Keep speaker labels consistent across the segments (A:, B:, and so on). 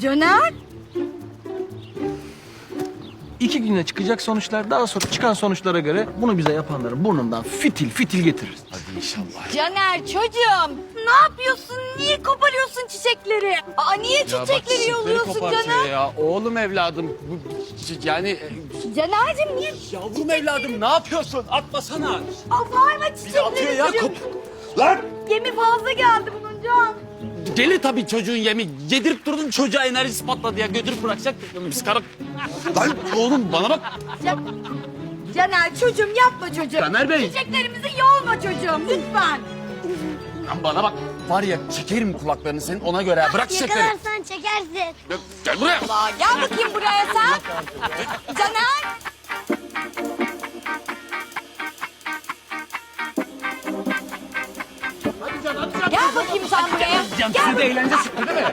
A: Caner.
B: 2 güne çıkacak sonuçlar, daha sonra çıkan sonuçlara göre bunu bize yapanların burnundan fitil fitil getiririz.
C: Hadi inşallah.
A: Caner çocuğum. Ne yapıyorsun? Niye koparıyorsun çiçekleri? Aa niye çiçekleri yolluyorsun Caner?
C: Ya. Oğlum evladım. Yani
A: Caner'cim niye?
C: yavrum evladım ne yapıyorsun? Atmasana.
A: Aa bağırma çiçekleri.
C: ya. Lan!
A: Yemi fazla geldi bunun Can.
C: Deli tabii çocuğun yemi. Yedirip durdun çocuğa enerjisi patladı ya. Götürüp bırakacak. Biz karı... Lan oğlum bana bak.
A: Caner çocuğum yapma çocuğum.
C: Caner Bey.
A: Çiçeklerimizi yolma çocuğum lütfen.
C: Lan bana bak. Var ya çekerim kulaklarını senin ona göre. Bırak çiçekleri.
D: Yakalarsan çekersin.
C: Gel buraya.
A: Aa, gel bakayım buraya sen. Caner. Gel bakayım sen buraya.
C: Can
A: Gel.
C: size de eğlence çıktı değil mi?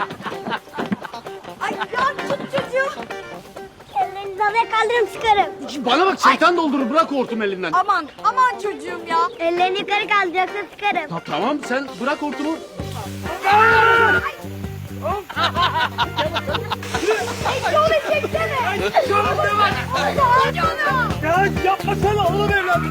A: Ay Can tut çocuğu.
D: Ellerini havaya kaldırıp sıkarım.
C: Bana bak şeytan doldurur. Bırak hortum elinden.
A: Aman aman çocuğum ya.
D: Ellerini yukarı kaldır yoksa sıkarım.
C: Tamam sen bırak hortumu.
A: Şöyle çeksene. Canım.
C: Ya yapmasana oğlum evladım.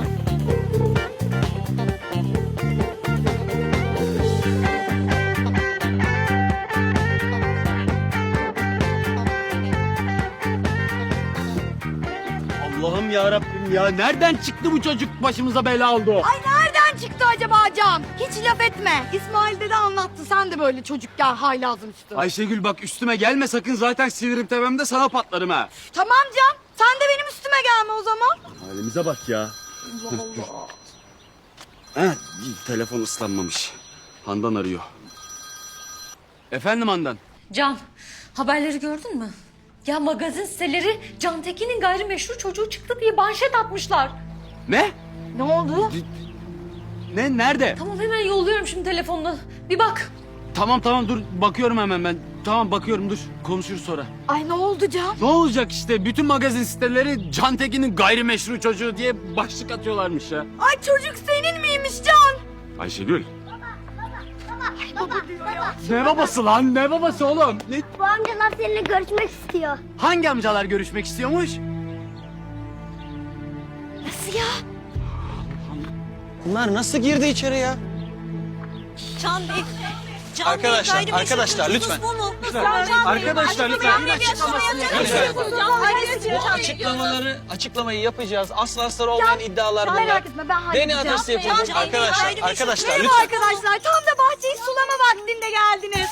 C: Allah'ım ya Rabbim ya nereden çıktı bu çocuk başımıza bela oldu?
A: Ay nereden çıktı acaba Can? Hiç laf etme. İsmail dede anlattı. Sen de böyle çocukken haylazın üstü.
C: Ayşegül bak üstüme gelme sakın zaten sinirim tepemde sana patlarım ha.
A: Tamam Can. Sen de benim üstüme gelme o zaman.
C: Halimize bak ya.
A: Allah.
C: Ha, telefon ıslanmamış. Handan arıyor. Efendim Handan?
E: Can, haberleri gördün mü? Ya magazin siteleri Can Tekin'in gayrimeşru çocuğu çıktı diye manşet atmışlar.
C: Ne?
A: Ne oldu?
C: Ne? Nerede?
E: Tamam hemen yolluyorum şimdi telefonunu. Bir bak.
C: Tamam dur bakıyorum hemen ben. Tamam bakıyorum dur konuşuruz sonra.
A: Ay ne oldu Can?
C: Ne olacak işte bütün magazin siteleri Can Tekin'in gayrimeşru çocuğu diye başlık atıyorlarmış ya.
A: Ay çocuk senin miymiş Can?
C: Ayşegül.
A: Baba diyor ya.
C: Ne babası lan ne babası oğlum? Ne?
D: Bu amcalar seninle görüşmek istiyor.
C: Hangi amcalar görüşmek istiyormuş?
A: Nasıl ya?
F: Bunlar nasıl girdi içeri ya?
A: Can Bey.
F: Arkadaşlar lütfen. Arkadaşlar lütfen. Bu açıklamayı yapacağız. Aslı astarı olmayan iddialar bunlar.
A: Merak etme ben halledeceğim.
F: Beni adresi yapacağız. Arkadaşlar
A: Merhaba
F: lütfen.
A: arkadaşlar. Tam da bahçeyi sulama vaktinde geldiniz.